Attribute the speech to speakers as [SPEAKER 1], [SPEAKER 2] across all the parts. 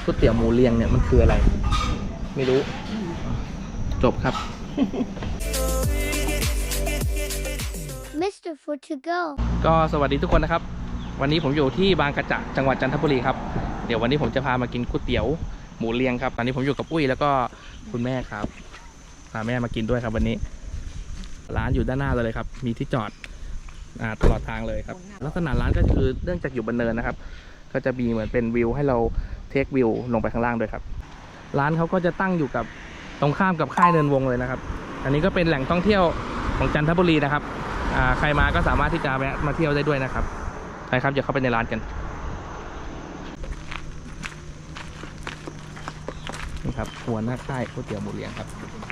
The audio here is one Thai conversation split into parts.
[SPEAKER 1] ก๋วยเตี๋ยวหมูเรียงเนี่ยมันคืออะไรไม่รู้จบครับ
[SPEAKER 2] Mr. Food to go
[SPEAKER 1] ก็สวัสดีทุกคนนะครับวันนี้ผมอยู่ที่บางกระจะจังหวัดจันทบุรีครับเดี๋ยววันนี้ผมจะพามากินก๋วยเตี๋ยวหมูเรียงครับตอนนี้ผมอยู่กับอุ้ยแล้วก็คุณแม่ครับพาแม่มากินด้วยครับวันนี้ร้านอยู่ด้านหน้าเลยครับมีที่จอดตลอดทางเลยครับลักษณะร้านก็คือเนื่องจากอยู่บนเนินนะครับก็จะมีเหมือนเป็นวิวให้เราเทควิวลงไปข้างล่างด้วยครับร้านเขาก็จะตั้งอยู่กับตรงข้ามกับค่ายเนินวงเลยนะครับอันนี้ก็เป็นแหล่งท่องเที่ยวของจันทบุรีนะครับใครมาก็สามารถที่จะแวะมาเที่ยวได้ด้วยนะครับไปครับเดี๋ยวเข้าไปในร้านกันนี่ครับหัวหน้าค่ายก๋วยเตี๋ยวหมูเรียงครับ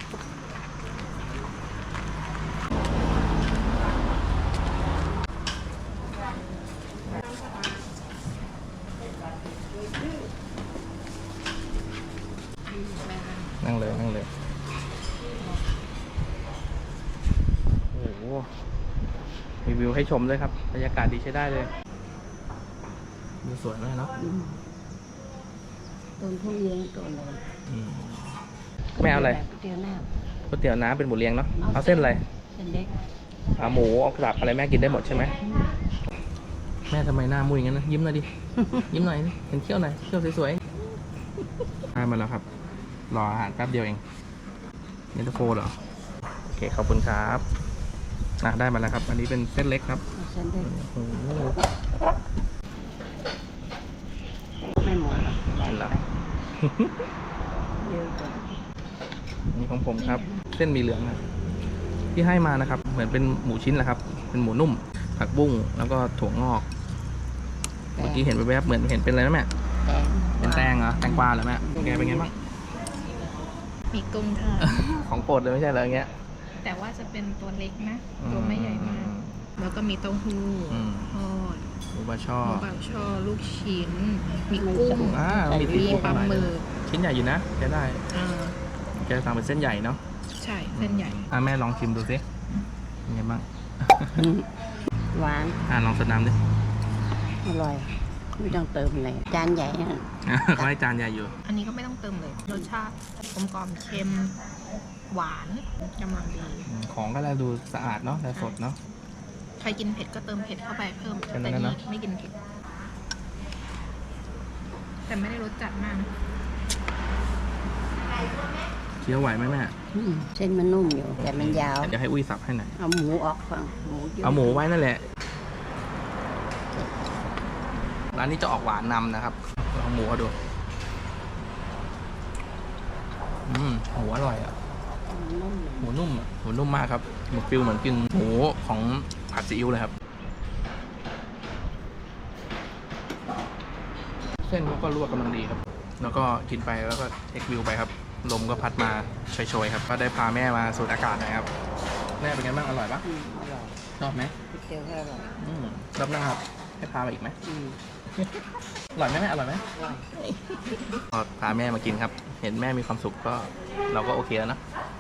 [SPEAKER 1] นั่งเลยนั่งเลยโอ้โหมีวิวให้ชมด้วยครับบรรยากาศดีใช้ได้เลยวิวสวยมากเนาะ
[SPEAKER 3] ต้นทุเรียนต้นอะไร
[SPEAKER 1] แม่เอาอะไร
[SPEAKER 3] ก๋วยเตี๋ยวน้
[SPEAKER 1] ก๋วยเตี๋ยวน้ำเป็นหมูเรียงเนาะเอาเส้นอะไร
[SPEAKER 3] ำเส้นเล็ก
[SPEAKER 1] หมูเอากระดับอะไรแม่กินได้หมดใช่ไหมแม่ทำไมหน้ามุ้ยงั้นนะยิ้มหน่อยดิ ยิ้มหน่อยดิเห็นเขี้ยวหน่อยเขี้ยวสวยๆได้มาแล้วครับรออาหารแป๊บเดียวเองเย็นตาโฟเหรอโอเคขอบคุณครับได้มาแล้วครับอันนี้เป็นเส้นเล็กครับ
[SPEAKER 3] เอาเส้นเล็ก
[SPEAKER 1] โอ้โห
[SPEAKER 3] ไม่หมดหรอก
[SPEAKER 1] ได้แล้ว
[SPEAKER 3] เยอะกว่า
[SPEAKER 1] นี่ของผมครับเส้นหมีเหลืองครับที่ให้มานะครับเหมือนเป็นหมูชิ้นแหละครับเป็นหมูนุ่มผักบุ้งแล้วก็ถั่วงอกเมื่อกี้เห็นแวบๆเหมือนเห็นเป็นอะไรนะแม่
[SPEAKER 3] แตง
[SPEAKER 1] เป็นแตงเหรอแตงกวาเหรอแม่แกเป็นไงบ้าง
[SPEAKER 4] มีกุ้งทอด
[SPEAKER 1] ของโปรดเลยไม่ใช่เหรออย่างเงี้ย
[SPEAKER 4] แต่ว่าจะเป็นตัวเล็กนะ ตัวไม่ใหญ่มาก แล้วก็มีเต้าหู้ทอด
[SPEAKER 1] หมูบาช่อ
[SPEAKER 4] หมูบางช่อลูกชิ้น มีกุ้ง
[SPEAKER 1] มี
[SPEAKER 4] มีปลาหมึก
[SPEAKER 1] ชิ้นใหญ่อยู่นะแกได้
[SPEAKER 4] อ่า
[SPEAKER 1] แกสั่งเป็นเส้นใหญ่เนาะ
[SPEAKER 4] ใช่เส้นใหญ่
[SPEAKER 1] แม่ลองชิมดูสิเป็นไงบ้าง
[SPEAKER 3] หวาน
[SPEAKER 1] ลองสดน้ำดิ
[SPEAKER 3] อร่อยไม่ต้องเติมอะไรจานใหญ่น่ะ
[SPEAKER 1] เขาให้จานใหญ่อยู่
[SPEAKER 4] อันนี้ก็ไม่ต้องเติมเลย รสชาติกลมกล่อมเค็ม หวานกำลังดี
[SPEAKER 1] ของก็แล้วดูสะอาดเนาะและสดเนาะ
[SPEAKER 4] ใครกินเผ็ดก็เติมเผ็ดเข้าไปเพิ่ม
[SPEAKER 1] แค่นั้
[SPEAKER 4] แต่
[SPEAKER 1] นนะ
[SPEAKER 4] นี่ไม่กินเผ็ด แต่ไม่ได้รสจัดมากนะ
[SPEAKER 1] เคี้ยวไหวไหมแม่
[SPEAKER 3] เส้นมันนุ่มอยู่แต่มันยาว
[SPEAKER 1] เดี๋ยวให้อุ้ยสับให้หน่อย
[SPEAKER 3] เอาหมูออกฟังหมูเยอะ
[SPEAKER 1] เอาหมูไว้นั่นแหละร้านนี้จะออกหวานนำนะครับลองหมูเอาดูหมูอร่อยอ่ะ
[SPEAKER 3] นุ่มอยู่
[SPEAKER 1] หมูนุ่มอะหมูนุ่มมากครับหมูฟิลเหมือนกินหมูของผัดซีอิ๊วเลยครับเส้นเขาก็ลวกกำลังดีครับแล้วก็กินไปแล้วก็เทควิวไปครับลมก็พัดมาโชยๆครับก็ได้พาแม่มาสูดอากาศหนะครับแม่เป็นไงบ้างอร่อยปะ
[SPEAKER 3] อร่อย
[SPEAKER 1] ชอบไหม
[SPEAKER 3] ก๋วยเตี๋ยวก็อร่อย
[SPEAKER 1] รอบหน้าครับให้พามาอีกไหม
[SPEAKER 3] อืม
[SPEAKER 1] อร่อยไหมแม่อร่อยไหม
[SPEAKER 3] อร่อย
[SPEAKER 1] พอพาแม่มากินครับเห็นแม่มีความสุขก็เราก็โอเคแล้วนะ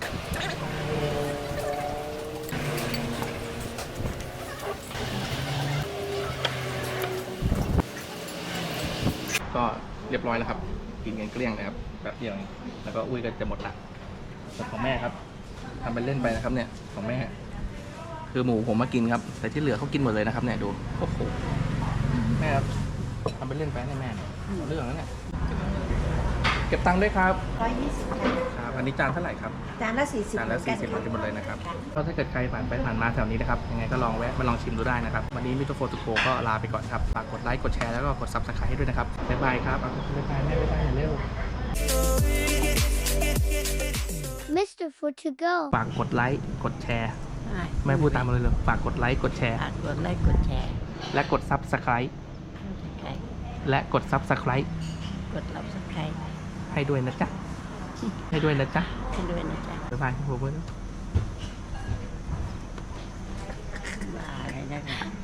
[SPEAKER 1] ก็เรียบร้อยแล้วครับกินกันเกลี้ยงเลยครับแบบเดียวเองแล้วก็อุ้ยก็จะหมดละส่วนของแม่ครับทำเป็นเล่นไปนะครับเนี่ยของแม่ คือหมูผมมากินครับแต่ที่เหลือเขากินหมดเลยนะครับเนี่ยดูโอ้โหแม่ครับทำเป็นเล่นไปให้แม่เนี่ยเอาเรื่องแล้วเนี่ยเก็บตังค์ด้วยครับ
[SPEAKER 3] 120
[SPEAKER 1] ครับอันนี้จานเท่าไหร่ครับ
[SPEAKER 3] จานละ40
[SPEAKER 1] จานละ40บาทกันหมดเลยนะครับก็ถ้าเกิดใครผ่านไปผ่านมาแถวนี้นะครับยังไงก็ลองแวะมาลองชิมดูได้นะครับวันนี้มิโตโฟตุโกก็ลาไปก่อนครับฝากกดไลค์กดแชร์แล้วก็กด Subscribe ให้ด้วยนะครับบ๊ายบายครับเอาบ๊ายบายแม่บ๊ายบายเร็ว
[SPEAKER 2] Mr. Food to go
[SPEAKER 1] ฝากกดไลค์กดแชร์
[SPEAKER 3] ใช่
[SPEAKER 1] แม่พูดตามมาเลยฝากกดไลค์กดแชร์
[SPEAKER 3] ฝากกดไลค์กดแชร์
[SPEAKER 1] และกด Subscribe และกด Subscribe
[SPEAKER 3] กดรับสไครต์
[SPEAKER 1] ให้ด้วยนะจ๊ะให้ด้วยนะจ๊ะ
[SPEAKER 3] ให้ด้วยนะจ๊ะ
[SPEAKER 1] บ๊ายบายผม
[SPEAKER 3] บายนะคะ